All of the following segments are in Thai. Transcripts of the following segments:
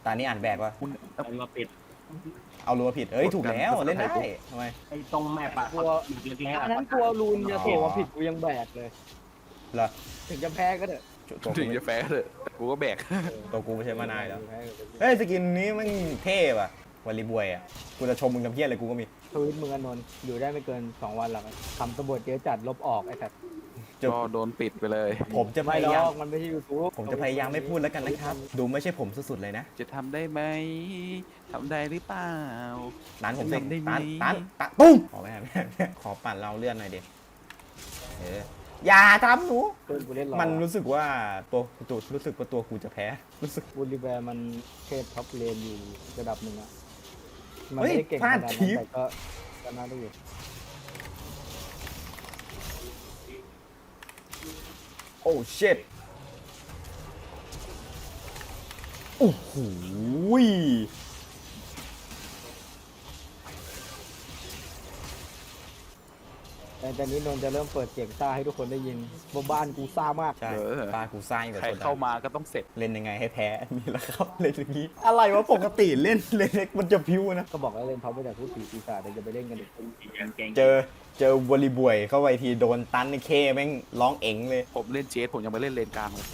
ตอนนี้อ่านแบกว่าคุณเอามาปิดเอารัวผิดเอ้ยถูกแล้วเล่นได้ทำไมไอ้ตรงแมปอะกลัวเล็กๆอัอะนนั้นกลัวรูนจะส่งมาผิดกูยังแบกเลยเหรอถึงจะแพ้ก็เถอะตัวถึกูงจะแพ้เถอะกูก็แบกตัวกูไม่ใช่มานายแล้วแพ้ก็เถอะเฮ้ยสกินนี้มันเท่ว่ะวอลลีบวยอ่ะกูจะชมมึงทำเพี้ยอะไรกูก็มีทวิตมึงอนนท์อยู่ได้ไม่เกิน2 วันหรอกทำตำรวจเยอะจัดลบออกไอ้สัตว์ก็โดนปิดไปเลยผมจะพไม่หรยายามอกมันไม่ใช่ยูทูบผมจะพยายามไม่พูดแล้วกันนะครับดูไม่ใช่ผมสุดๆเลยนะจะทำได้ไหมทำได้หรือเปล่าร้านผมสิทำได้ไหมตันตุ้มขอไม่ได้ขอปั่นเราเลื่อนหน่อยเด็ดอย่าทำหนูเพื่อนกูเล่นรอมันรู้สึกว่าตัวรู้สึกว่าตัวกูจะแพ้รู้สึกบูลลิแวร์มันเทพท็อปเลนอยู่ระดับหนึ่งอะมัเฮ้ยไม่ได้เก่งพขลานาดดนั้นคลิปแต่ก็น่าดูอยู่โอ้เช็ดโอ้โหแต่ตอนนี้นนท์จะเริ่มเปิดเสียงซ่าให้ทุกคนได้ยินว่าบ้านกูซ่ามากใช่ปลากูซ่าอยู่กับใครโซดาเข้ามาก็ต้องเสร็จเล่นยังไงให้แพ้มีแล้วครับเล่นอย่างนี้อะไรวะปกติเล่นเล็กมันจะพิ้วนะก็บอกแล้วเล่นเขาไม่แต่พูดผีปีศาจแต่จะไปเล่นกันอีกเก่งเจอวอลลีบวยเข้าไปทีโดนตันในเคแม่งร้องเอ๋งเลยผมเล่นเจสผมยังไม่เล่นเลนกลางเลย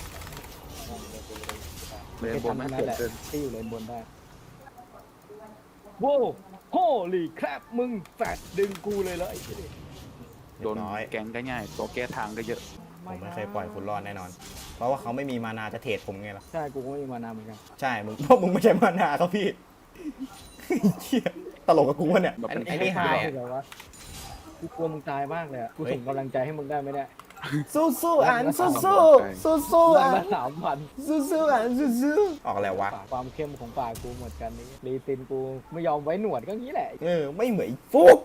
เลนบนไม่นั่เกินดแหละเกินที่อยู่เลนบนได้โว้โฮลี่แครบมึงแฟดดึงกูเลยแล้วไอ้เหี้ยโดนเรียบร้อยแก๊งก็ง่ายตัวแก้ทางก็เยอะผมไม่เคยปล่อยคุณรอดแน่นอน เพราะว่าเขาไม่มีมานาจะเทรดผมไงล่ะใช่กูก็ไม่มีมานานเหมือนกันใช่มึงเพราะมึงไม่ใช่มานาครับพี่เหี้ยตลกกับกูวะเนี่ยไอ้นี่หายคือแบบว่ากูกลัวมึงตายมากเลยอะกูส่งกำลังใจให้มึงได้ไหมเนี่ยสู้ๆอ่านสู้ๆวันอ่านละ3,000 สู้ๆอ่านสู้ๆออกอะไรวะความเข้มของปากกูหมดกันนี้รีตินกูไม่ยอมไว้หนวดก็งี้แหละไม่เหมือนฟุก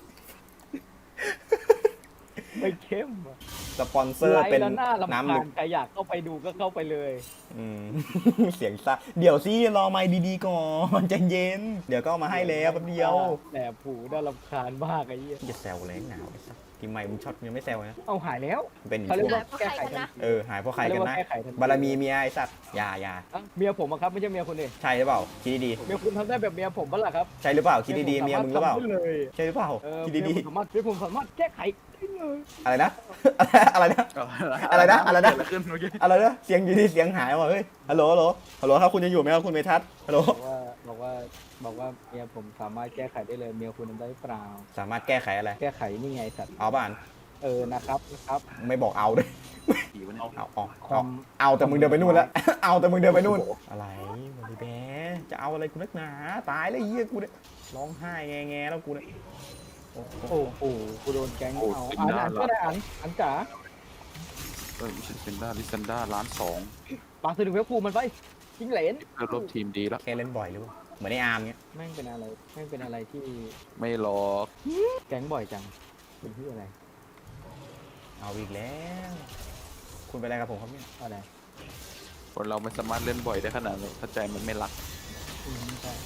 ไม่เข้มอะสปอนเซอร์ไลฟ์เป็นแล้วหน้าลำน้ำคาลึญกใครอยากเข้าไปดูก็เข้าไปเลยอืม เสียงซ่าเดี๋ยวสิรอไมค์ดีๆก่อนใจเย็น เดี๋ยวก็เอามาให้แล้วแป๊บเดียวแต่ผูน่ารำคาญมากไอ้เหี้ยอย่าแซวเลยหนาวไอ้สัสทีมใหม่มึงช็อตยังไม่แซวนะเอาหายแล้วเป็นอีกเขาเรียกพวว่าก แก้ไขทันทีหายเพราะใครกันนะเขาเรียกว่าแก้ไขทันทีบารมีเมียไอ้สัตว์อย่าอ่ะเมียผมอะครับไม่ใช่เมียคุณเองใช่หรือเปล่าคิดดีเมียคุณทำได้แบบเมียผมบ้างล่ะครับๆใช่หรือเปล่าคิดดีๆเมียมึงหรือเปล่าทำได้เลยใช่หรือเปล่า คิดดีเมียผมสามารถแก้ไขได้เลยๆอะไรนะ อะไรนะ อะไรนะอะไรนะเกิดขึ้นเมื่อกี้อะไรนะเสียงอยู่ดีเสียงหายว่ะเฮ้ยฮัลโหลครับคุณยังอยู่ไหมครับคุณเมทัศน์ฮัลโหลบอกว่าเมียผมสามารถแก้ไขได้เลยเมียคุณทำได้หรือเปล่าสามารถแก้ไขอะไรแก้ไขนี่ไงสัตว์เอาบ้านนะครับไม่บอกเอาด้วยผีวะเนี่ยเอาแต่มึงเดินไปนู่นแล้ว เอาแต่มึงเดินไปนู่นอะไรบริแบจะเอาอะไรกูนักหนาตายแล้วไอ้เหี้ยกูเนี่ยร้องไห้แงแล้วกูเนี่ยโอ้โหโอ้โหกูโดนแก๊งเอาอ่านก็ได้อ่านจ๋ามิชลินด้าลิซันด้าล้านสองปากสื่อถึงเว็บกูมันไปยิงเหรนเริ่มรบทีมดีแล้วแค่เล่นบ่อยหรือเปล่าเหมือนในอาร์มเงี้ยแม่งเป็นอะไรที่ไม่หรอกแก๊งบ่อยจังเป็นที่อะไรเอาอีกแล้ว คุณเป็นอะไรกับผมครับเนี่ยอะไรคนเราไม่สามารถเล่นบ่อยได้ขนาดนั้นถ้าใจมันไม่รักใช่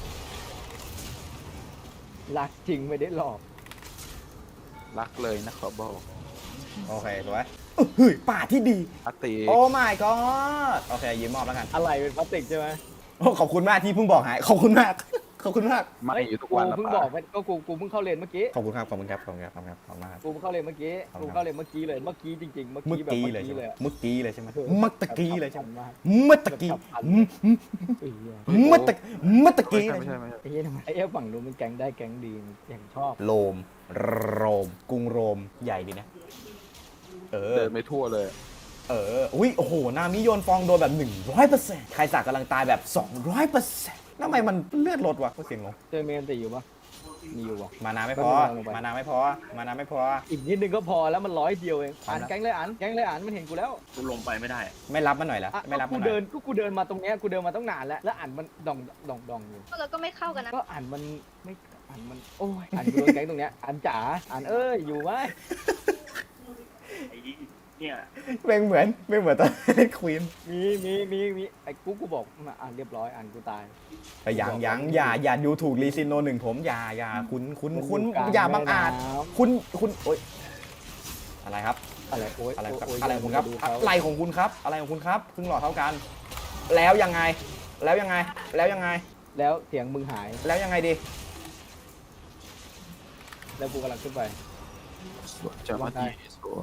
รักจริงไม่ได้หลอกรักเลยนะขอบอกโอเคสวยเฮ้ยป่าที่ดีรักตีโอ้ my god โอเคยืมมอบแล้วกันอะไรเป็นพลาสติกใช่ไหมโอ้ขอบคุณมากที่เพิ่งบอกหายขอบคุณมากขอบคุณมากไม่อยู่ทุกกูวันละเพิ่งป่ะบอกไปก็กูเพิ่งเข้าเรียนเมื่อกี้ขอบคุณครับขอบคุณครับขอบคุณครับขอบคุณครับขอบคุณมากครับกูเพิ่งเข้าเรียนเมื่อกี้ขอบคุณครับกูเข้าเรียนเมื่อกี้เลยเมื่อกี้จริงๆเมื่อเมื่อกี้แบบกี้เมื่อเลยใช่กี้ไหมเลยอะเมื่อกี้เลยใช่ไหมเออเมื่อตะกี้เลยใช่ไหมมากเมื่อตะกี้แบบฉับพลัน ไอ้เหี้ยเมื่อตะไม่กี้ใช่ไม่ใช่ไม่ใช่ไอ้เหี้ยทำไมไอ้เหี้ยฝั่งนู้นมันแก๊งได้แก๊งดีอย่างชอบโรมกรุงโรมใหญ่ดีนะเออเดินไม่ทั่วเลยอุ้ยโอ้โหนามิโยนฟองโดนแบบ 100%ใครสักกำลังตายแบบ 200%ทำไมมันเลือดลดวะก็เสียงงงเจอเมนติอยู่ปะมีอยู่ปะมานาไม่พอลงไปมานาไม่พอมานาไม่พออีกนิดนึงก็พอแล้วมัน100 เดียวเองครับแก๊งเลยมันเห็นกูแล้วกูลงไปไม่ได้ไม่รับมันหน่อยละอ่ะไม่รับกูมันหน่เดิอยนกูเดินมาตรงเนี้ยกูเดินมาตั้งนานแล้วอ่านมันดองอยู่เราก็ไม่เข้ากันนะก็อ่านมันไม่อ่านมันโอ้ยอ่านกูโดนแก๊งตรงเนี้ยอ่านจ๋าอ่านอยู่ไหมไอ้เนี่ยไม่เหมือนตอนเล่นควีนมีไอ้กูบอกมาอ่านเรียบร้อยอ่านกูตายแต่ยังอย่าดูถูกรีซินโนหนึ่งผมอย่าคุณอย่าบังอาจคุณโอ๊ยอะไรครับอะไรโอ๊ยอะไรครับโยอะไรของคุณครับดูเขาอะไรของคุณครับอะไรของคุณครับครึ่งหลอดเท่ากัน แล้วยังไงแล้วยังไง แล้วยังไงแล้วเสียงมึงหายแล้วยังไงดีแล้วกูกำลังขึ้นไปสวยจังมาดีสวย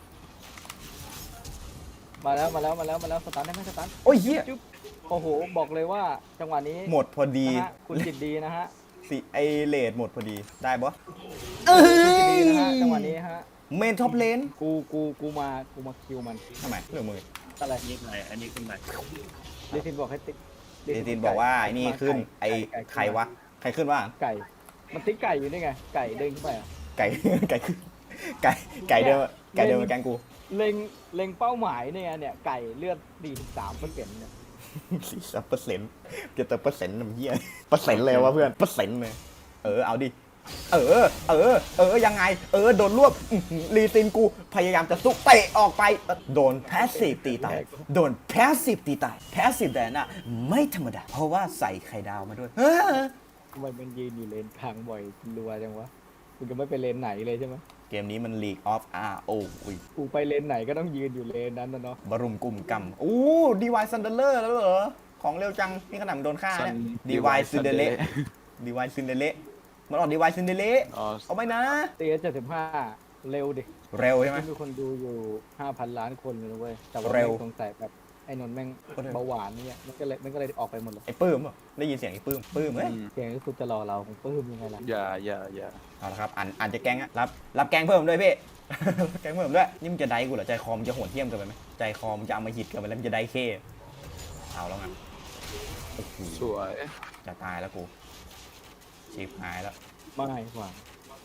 มาแล้วสตาร์ทได้ไหมสตาร์ทโอ้ยเหี้ยจุ๊บโอ้โหบอกเลยว่าจังหวะนี้หมดพอดีนะฮะคุณจิตดีนะฮะสิไอเลดหมดพอดี ได้ปะคุณจิตดีนะฮะจังหวะนี้ฮะเมนท็อปเลนกูมาคิวมันทำไมเรื่องมืออะไรอันนี้อะไรอันนี้ขึ้นไปลิซินบอกให้ติ๊กเดซินบอกว่าไอ้นี่ขึ้น ไอใครวะ ใครขึ้นว่าไก่ มันติ๊กไก่อยู่นี่ไง ไก่เด้งขึ้นไปอะไก่ ไก่ขึ้นไก่เดิมไก่เดิมมาแกงกูเล็งเป้าหมายเนี่ยไก่เลือด43%เนี่ย 40%จะเติมเปอร์เซ็นต์น้ำเหี้ยเปอร์เซ็นต์เลยวะเพื่อนเปอร์เซ็นต์เลยเอาดิยังไงโดนรวบรีซินกูพยายามจะสู้เตะออกไปโดนแพสซีฟตีตายโดนแพสซีฟตีตายแพสซีฟแดนน่ะไม่ธรรมดาเพราะว่าใส่ไข่ดาวมาด้วยทำไมมันยืนอยู่เลนกลางบ่อยรัวจังวะกูจะไม่ไปเลนไหนเลยใช่ไหมเกมนี้มัน League of RO อุ้ยกูไปเลนไหนก็ต้องยืนอยู่เลนนั้นนะเนาะบรุมกลุ่มกำอู้ดีวายซันเดเลอร์แล้วเหรอของเร็วจังนี่ขนาดมันโดนฆ่าเนี่ยดีวายซินเดเลดีวายซินเดเลมันออกดีวายซินเดเลอ๋อเอาไปนะตี75เร็วดิเร็วใช่ไหมมีคนดูอยู่ 5,000 ล้านคนเลยนะเว้ยแต่ว่าเร็วแม่งสงสัยแบบไอ้นนท์แม่งเบาหวานเนี่ยมันก็เลยออกไปหมดเลยไอ้ปื้มเหรอได้ยินเสียงไอ้ปื้มเฮ้ยเสียงก็คือจะรอเราของปื้มยังไงล่ะอย่าเอาละครับอ่านจะแกงอะรับแกงเพิ่มด้วยพี่ รับแกงเพิ่มด้วยนี่มึงจะได้กูเหรอใจคอมงจะโหดเหี้ยมเกินไปไหมใจคอมงจะเอามาหิดเกินไปแล้วมึงจะได้เคเอาแล้วไงโอ้โหสวยจะตายแล้วกูชิบหายแล้วไม่หวัง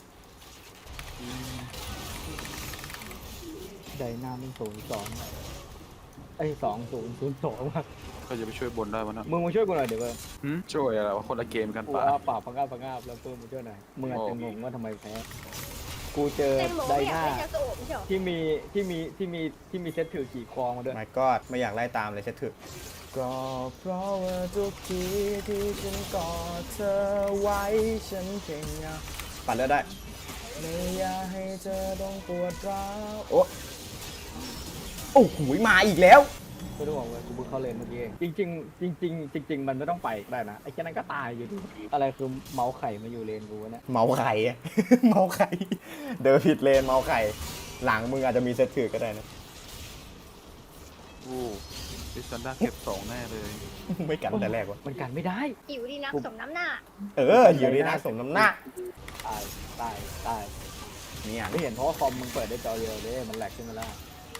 ไดนามัน02ไอ้2002ว่ะก็จะไปช่วยบนได้วะนะมึงมาช่วยกูหน่อยเดี๋ยวเว้ยช่วยอะไรวะคนละเกมกันกูป่ะอ้าปากพังงาบแล้วปื้มมาช่วยหน่อยมึงอาจจะงงว่าทำไมแพ้กูเจอแตงโมไดไม่อยากนาได้ยาสูบไม่ใช่เหรอที่มีเซตถือขี่คองมาด้วยไม่ก็ไม่อยากไล่ตามเลยเช็ดถึกก็เพราะว่าทุกทีที่ฉันกอดเธอไว้ฉันเก่งอะปัดเลือดได้ไม่อยากให้เธอต้องปวดร้าวโอ้โหมาอีกแล้วไม่ต้องบอกเลยกูเพิ่งเข้าเลนเมื่อกี้เองจริงมันไม่ต้องไปก็ได้นะไอ้แค่นั้นก็ตายอยู่ดีอะไรคือเมาส์ไข่มาอยู่เลนกูวะเนี่ยเมาไข่อะ เมาไข่เดินผิดเลนเมาไข่หลังมึงอาจจะมีเซตถือก็ได้นะโอ้ดิซันด้าเก็บ2แน่เลยไม่กันแต่แรกวะมันกันไม่ได้หิวดีนักสมน้ำหน้าอยู่ดีนะสมน้ำหน้าตายนี่อ่ะไม่เห็นเพราะว่าคอมมึงเปิดได้จอเดียวเลยมันแหลกขึ้นมาแล้ว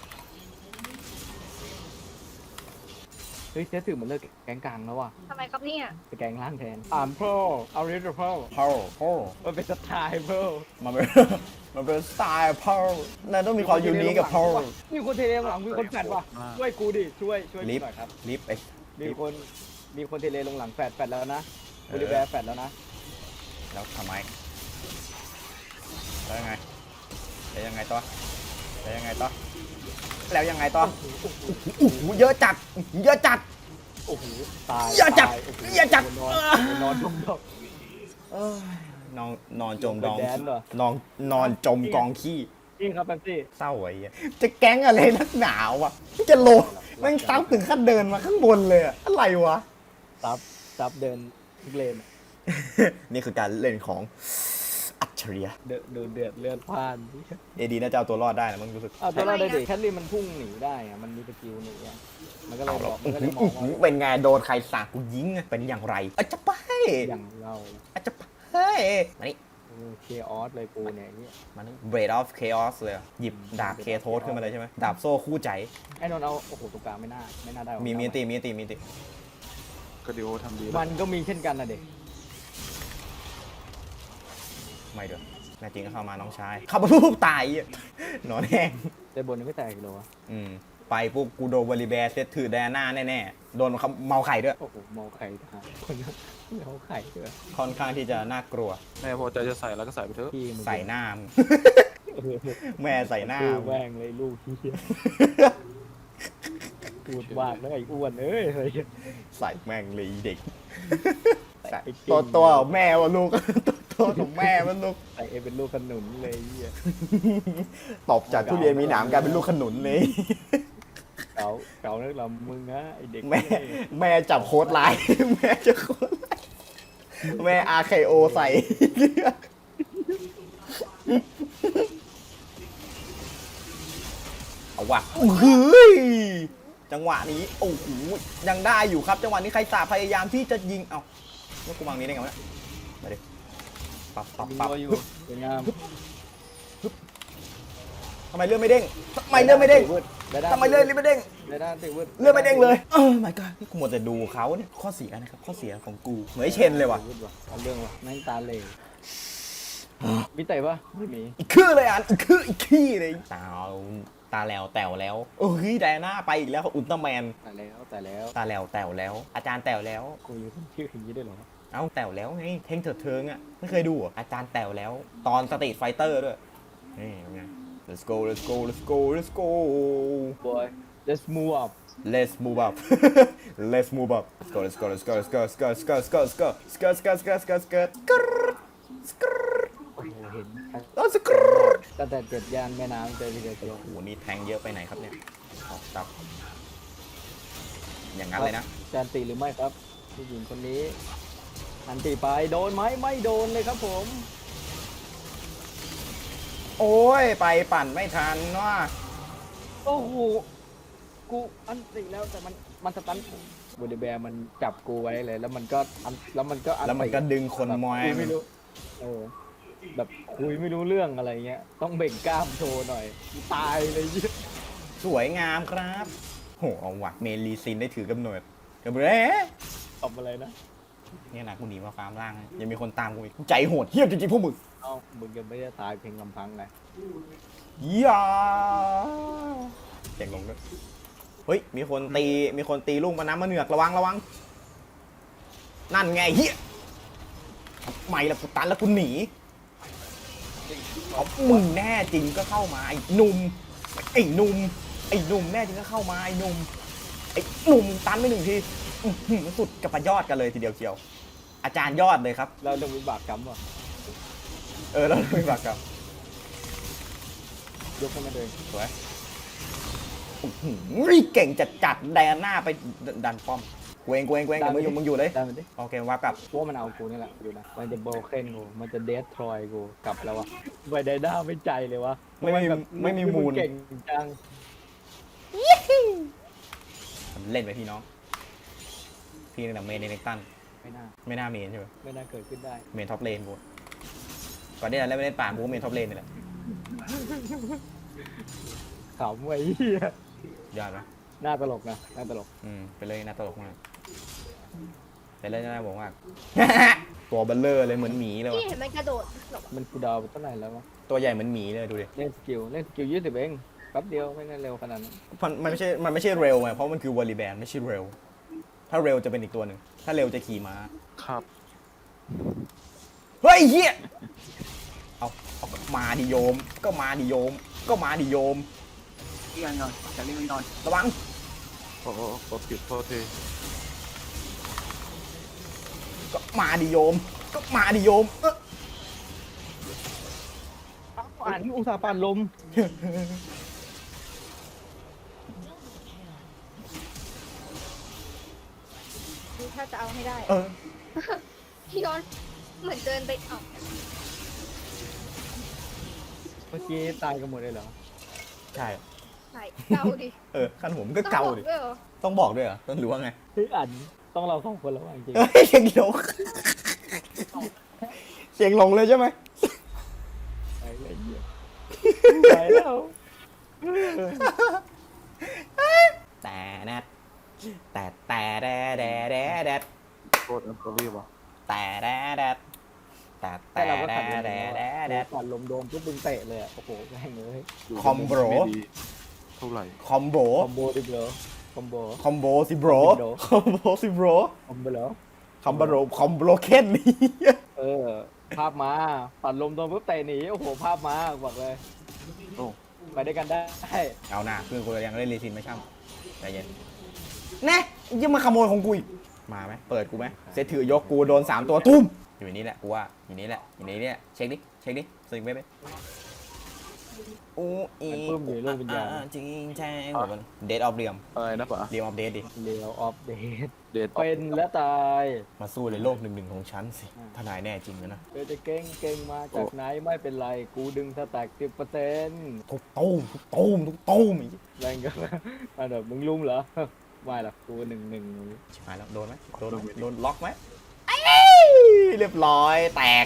เฮ้ยเซตถือมันเลิกแกงกลางแล้วว่ะทำไมครับเนี่ยไปแกงล่างแทนโพรเอาเรดโพรพ่อมันเป็นสไตล์โพรมันเป็น มันเป็นสไตล์พ่อนั่นต้องมีความยูนิคกับพ่อมีคนเทเลหลังมีคนแฟดว่ะช่วยกูดิช่วยกูหน่อยครับลิฟต์ไอ้มีคนเทเลลงหลังแฟดแล้วนะบริแวร์แฟดแล้วนะแล้วทำไมแล้วยังไงแล้วยังไงต่อแล้วยังไงต่อแล้วยังไงต่อโอ้โหเยอะจัดเยอะจัดโอ้โหตายอย่าจับตโโหอย่าจับนอนจมดอกนอนจมดองเป็นแดนเหรอนอนจมกองขี้จริงครับแป๊บซี่เศร้าไอ้เหี้ยจะแก๊งอะไรนักหนาวะจะโลแม่งซับถึงขั้นเดินมาข้างบนเลยอะอะไรวะซับเดินทุกเลนนี่คือการเล่นของอัจฉริยะเดือดเลือดพล่านเอดีน่าจะเอาตัวรอดได้นะมึงรู้สึกตัวเราได้ดิแคทลีมันพุ่งหนีได้อะมันมีสกิลหนีอะมันก็เลยบอกมันก็เลยมองว่าเป็นไงโดนใครสาดกูยิงอะเป็นอย่างไรอาจจะไปอย่างเราอาจจะไปมานี่เคออสเลยกูเนี่ยเนี่ยมานี่ Blade of Chaos เลยอะหยิบดาบเคโทสขึ้นมาเลยใช่ไหมดาบโซ่คู่ใจไอ้นนท์เอาโอ้โหตรงกลางไม่น่าได้มีตีมีตีก็ดิโอทำดีมันก็มีเช่นกันนะเด็กไม่เด้อแน่จริงก็เข้ามาน้องชายเข้ามาปุ๊บตายอะหนอนแห้งแต่บนยังไม่แตกอีกเหรอวะไปปุ๊บกูโดนวอลลีแบร์เซตถือแดน่าแน่ๆโดนเขาเมาไข่ด้วยโอ้โหเมาไข่ทหารคนนั้นเมาไข่ด้วยค่อนข้างที่จะน่ากลัวแม่พอใจจะใส่แล้วก็ใส่ไปเถอะพี่มึงใส่หน้ามึง แม่ใส่หน้าลูกมึงแม่งเลยลูกที่พูดมากแล้วไอ้อ้วนเอ้ยอะไรอย่างเงี้ยใส่แม่งเลยอีเด็กใส่ไอ้ตัวแม่วะลูก ตัวของแม่มันลูกใส่เอเป็นลูกขนุนเลยไอ้เหี้ยตบจากทุเรียนมีหนามกลายเป็นลูกขนุนเลยกเก่าเก่านักลำมึงนะไอเด็กแม่จับโค้ดไลน์ แม่จะโค้ดไลน์แม่ RKO ใส่ เอาว่ะเฮ้ยจังหวะนี้โอ้โหยังได้อยู่ครับจังหวะนี้ใครสาพยายามที่จะยิงเอ้าแล้วกูวางนี้ได้ไงวะเนี่ยมาดิปับปับยิงปับรัวอยู่สวยงามทำไมเลื่อนไม่เด้งทำไมเลื่อนไม่เด้งทำไมเลื่อนไม่เด้งได้ด้านติวืดเลื่อนไม่เด้งเลยmy god นี่กูหมดแต่ดูเขาเนี่ยข้อเสียนะครับข้อเสียของกูเหมือนไอ้เชนเลยว่ะเอาเรื่องว่ะแม่งตาเหล่มีเตะปะไม่มีอีกคือเลยอ่ะอีกคืออีกขี้เลยตาแล้วแต๋วแล้วโอ้ยไดอาน่าไปอีกแล้วอุลตร้าแมนแต่แล้วตาแล้วแต๋วแล้ว อาจารย์แต๋วแล้วกูอยู่คนชื่ออย่างนี้ด้วยเหรอเอ้าแต๋วแล้วไงเท่งเถิดเทิงอ่ะไม่เคยดูเหรออาจารย์แต๋วแล้ว ตอนสตรีทไฟเตอร์ด้วยนี่เป็นไง let's go let's go let's go let's go boy let's move up let's move up let's move up let's go let's go let's go let's go let's go let's go let's go let's go skirt skirt skirt skirt skirt skirt โอ้โหเห็นแล้ว skirt ตั้งแต่เจ็ดย่านแม่น้ำเจอทีเดียวโอ้โหนี่แทงเยอะไปไหนครับเนี่ยออกตับอย่างนั้นเลยนะจานตีหรือไม่ครับผู้หญิงคนนี้อันตีไปโดนไหมไม่โดนเลยครับผมโอ้ยไปปั่นไม่ทันว่ะโอ้โหกูอันตีแล้วแต่มันสตันบูเดแบร์มันจับกูไว้เลยแล้วมันก็อันแล้วมันก็อันแล้วมันก็ดึงคนมอยคุยไม่รู้แบบคุยไม่รู้เรื่องอะไรเงี้ยต้องเบ่งกล้ามโชว์หน่อยตายเลยเหี้ยสวยงามครับโหเอาว่ะเมลีซินได้ถือกำเนิดกับเบ้ทำอะไรนะเนี่ยนะกูหนีมาฟาร์มล่างนะยังมีคนตามกูอีกกูใจโหดเหี้ยจริงๆพวกมึงเอ้ามึงยังไม่ได้ตายเพียงลำพังไงอย่าเสียงลงด้วยเฮ้ยมีคนตีลูกมาน้ำมาเหนือกระวังระวังนั่นไงเฮียไม่ละกูตันแล้วกูหนีเอามึงแน่จริงก็เข้ามาไอ้หนุ่มไอ้หนุ่มไอ้หนุ่มแน่จริงก็เข้ามาไอ้หนุ่มไอ้หนุ่มตันไปหนึ่งทีอื้อหือสุดกับประยอดกันเลยทีเดียวเชียวอาจารย์ยอดเลยครับเราเรื่องวิบากกรรมว่ะแล้วไม่ฝากกับยกขึ้นมาเลยสวยอื้อหือเก่งจัดแดนหน้าไปดันป้อมเวงเดี๋ยวมึงอยู่เลยได้มันดิโอเควับกลับพวกมันเอากูนี่แหละดูนะมันจะโบเคนกูมันจะเดสทรอยกูกลับแล้ววะไวไดด้าไม่ใจเลยวะไม่มีมูลเก่งจังเล่นไปพี่น้องพี่ตั้งแต่เมนในเน็กตันไม่น่าไม่น่าเมนใช่ไหมไม่น่าเกิดขึ้นได้เมนท็อปเลนกูก่อนที่จะเล่นไม่เล่นป่ากูก็เมนท็อปเลนนี่แหละขำไว้เหี้ยยอดไหมหน้าตลกนะหน้าตลกไปเลยน่าตลกมากไปเลยน่าบอกมาก ตัวเบลเลอร์เลยเหมือนหมีเลยพี่ว่ะเห็นมันกระโดดหลบมันกูดาวไปเท่าไหร่แล้ววะตัวใหญ่เหมือนหมีเลยดูดิเล่นสกิล20เองแป๊บเดียวไม่งั้นเร็วขนาดนั้นมันไม่ใช่เร็วไงเพราะมันคือวอลลีแบนไม่ใช่เร็วถ้าเร็วจะเป็นอีกตัวหนึ่งถ้าเร็วจะขี่ม้าครับเฮ้ยเฮียเอามาดิโยมก็มาดิโยมก็มาดิโยมเรียนนอนจะเรียนนอนระวังโอ้โหกดผิดโทษทีก็มาดิโยมก็มาดิโยมอ่านอุตสาห์ปานลมดูถ้าจะเอาให้ได้เออพี่ย้อนเหมือนเดินไปเอ้าเมื่อกี้ตายกันหมดเลยเหรอใช่ใช่เกาดิขั้นหัวมันก็เกาดิต้องบอกด้วยเหรอต้องบอกด้วยเหรอต้องรู้ว่าไงเฮ้ยอ่านต้องเรา2คนแล้วว่ะจริงเฮ้ยเสียงลงเสียงลงเลยใช่ไหมๆไปเลยเหี้ยไปแล้วแต่แนทแต่แดดโทษอันตรีวะแต่แดดแต่แต่เราก็ขัดลมแดดขัดลมโดนปุ๊บมึงเตะเลยอ่ะโอ้โหแม่งเลยยู่คอมโบรไม่ดีเท่าไหร่คอมโบคอมโบดิเบลคอมโบคอมโบสิโบรคอมโบสิโบรคอมโบแล้วคอมโบโรคอมโบเคนนี่เออภาพมาตัดลมโดนปุ๊บเตะหนีโอ้โหภาพมาบอกเลยโอ้ไปด้วยกันได้เอาหน้าเพื่อนกูยังเล่นรีซินไม่ช่ำใจเย็นแน่ยังมาขโมยของกูอีกมาไหมเปิดกูไหมเซตถือยกกูโดน3ตัวตุ้มอยู่นี่แหละกูว่าอยู่นี่แหละเช็คดิสลิงไปอู้อีมันปลื้มอยู่ในโลกวิญญาณจริงแจ้งแบบมันเดทออฟเรียมอะไรนะปะเรียมออฟเดทดิเลียวออฟเดทเดทเป็นและตายมาสู้ในโลกหนึ่งของฉันสิถ้านายแน่จริงนะเธอจะเก่งมาจากไหนไม่เป็นไรกูดึงสแต็ก10% ทุกตู้มทุกตู้มทุกตู้มอีกแรงก็มาแบบมึงลุมเหรอ ไม่หรอกกู1-1 ชิบหายแล้วโดนไหมโดนไหมโดนล็อกไหมเรียบร้อยแตก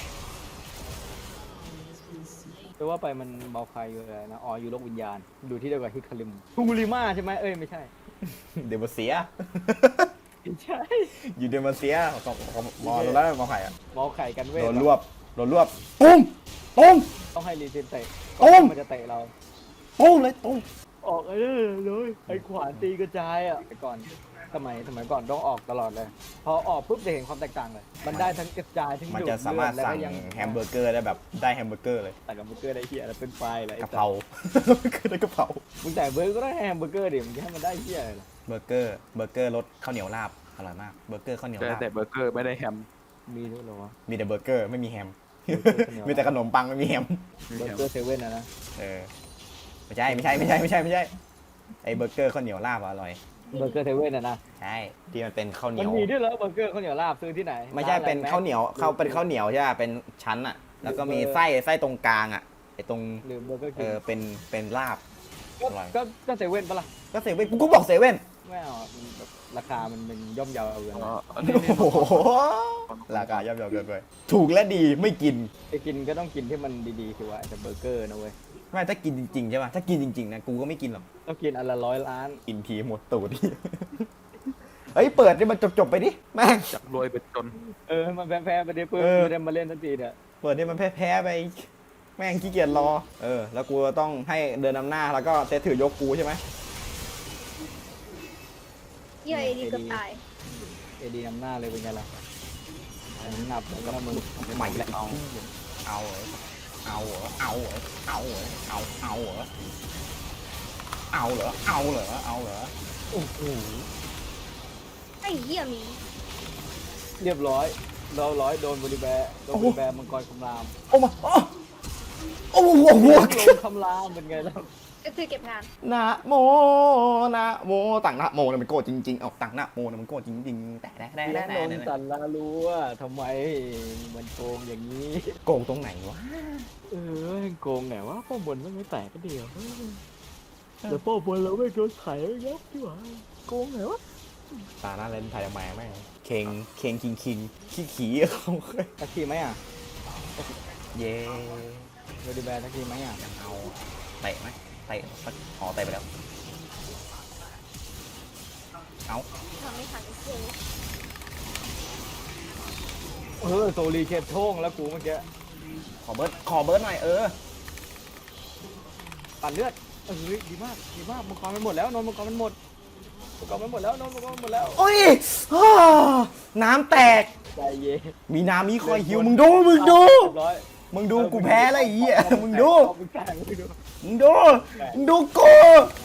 แต่ว่าไปมันเบาใครอยู่เลยนะอ๋ออยู่โลกวิญญาณดูที่เดียวกับฮิคาริมทูริมาใช่ไหมเอ้ยไม่ใช่เดมเซียไม่ใช่อยู่เดมเซียของมอแล้วมอไข่อะเมาไข่กันเว้ยโดนรวบตุ้มตุ้มต้องให้รีเซนเตะโอ้มมันจะเตะเราตุ้มเลยตุ้มออกเลยไอ้ขวานตีกระจายอ่ะแต่ก่อนสมัยก่อนต้องออกตลอดเลย พอออกปุ๊บจะเห็นความแตกต่างเลย มันได้ทั้งกระจายทั้งมันดูดจะสามารถเลือดสั่งแล้วก็แฮมเบอร์เกอร์ได้แบบได้แฮมเบอร์เกอร์เลยแต่กับเบอร์เกอร์ได้เฮียแล้วเป็นไฟล์เลยไอ้กะสัเพราสคือได้กะเพรามึงแต่เบอร์ก็ได้แฮมเบอร์เกอร์ดิมึงจะให้มันได้เฮียอะไรล่ะเบอร์เกอร์รสข้าวเหนียวลาบอร่อยมากเบอร์เกอร์ข้าวเหนียวแต่ลาบแต่เบอร์เกอร์ไม่ได้แฮมมีด้วยเหรอวะมีแต่เบอร์เกอร์ไม่มีแฮมเบอร์เกอร์ข้าวเหนียวมีแต่ขนมปังไม่มีแฮมเบอร์เกอร์เซเว่นนะเออไม่ใช่ไอเบอร์เกอร์ข้าวเหนียวลาบอะอร่อยเบอร์เกอร์เซเว่นนะใช่ที่มันเป็นข้าวเหนีมันยวมีด้วยเหรอเบอร์เกอร์ข้าวเหนียวลาบซื้อที่ไหนไม่ใช่ร้อะรเป็นข้าวเหนียวเป็นข้าวเหนียวใช่ป่ะเป็นชั้นอะแล้วก็มีไส้ตรงกลางอะไอตรงหรือเบอร์เกอร์เอคิงอเป็นลาบก็อร่อยก็เซเว่นปะล่ะก็เซเว่นกูก็บอกเซเว่นไม่เอาอะมันแบบราคามันเป็นย่อมเยาเอาเงินอ๋อนะอันนี้โอ้โหราคาย่อมเยาเกินไปถูกและดีไม่กินไปกินก็ต้องกินที่มันดีๆสิวะแต่เบอร์เกอร์นะเว้ยไม่ถ้ากินจริงๆใช่ป่ะถ้ากินจริงๆนะกูก็ไม่กินหรอกต้องกินอันละ100 ล้านกินทีหมดตูด เฮ้ยเปิดให้มันจบๆไปดิแม่งจากรวยไปจนมันแพ้ๆไปดิเพื่อนเออไม่ได้มาเล่นทันทีเนี่ยเปิดให้มันแพ้ๆไปแม่งขี้เกียจรอแล้วกูต้องให้เดินนำหน้าแล้วก็เซตถือยกกูใช่ไหมเหี้ยไอ้ดีเกือบตายเอดีนำหน้าเลยเป็นไงล่ะงับแล้วก็มึงใหม่แหละเอาเหรอเอาเหรอเอาเหรอเอาเหรอเอาเหรอเอาเหรอเอาเหรอเอาเหรอโอ้โหไอ้เหี้ยหมีเรียบร้อยเราร้อยโดนบริแบร์โดนบริแบร์มังกรคำรามโอ้มาโอ้โหลงคำรามเป็นไงล่ะก็คือเก็บงานนะโมนะโมต่างนะโมเนี่ยมันโก้จริงๆเอาต่างนะโมเนี่ยมันโก้จริงๆแต่เลี้ยงนนสันลาลัวทำไมมันโกงอย่างนี้โกงตรงไหนวะโกงไหนวะป้อมบนมันไม่แตกก็เดียวแต่ป้อมบนเราไม่โดนไถยับที่หว่าโกงไหนวะตาหน้าเล่นไทยแม่แม่งเคงคิงขี้ขี้เขาตะกี้ไหมอ่ะเย่บริแบร์ตะกี้ไหมอ่ะยังเอาเตะไหมเตะอ๋อเตะไปแล้วเอาทำไม่ทันไอ้เหี้ยโซลีเคปโท่งแล้วกูเมื่อกี้ขอเบิร์ดหน่อยปั่นเลือดดีมากมังกรมันหมดแล้วนนมังกรมันหมดแล้วนนมังกรมันหมดแล้วโอ้ยน้ำแตกใจเย็นมีน้ำมีคอยหิวมึงดูเรียบร้อยกูแพ้แล้วไอ้เหี้ยมึงดูมึงแกล้งมึงดูมึงดูกู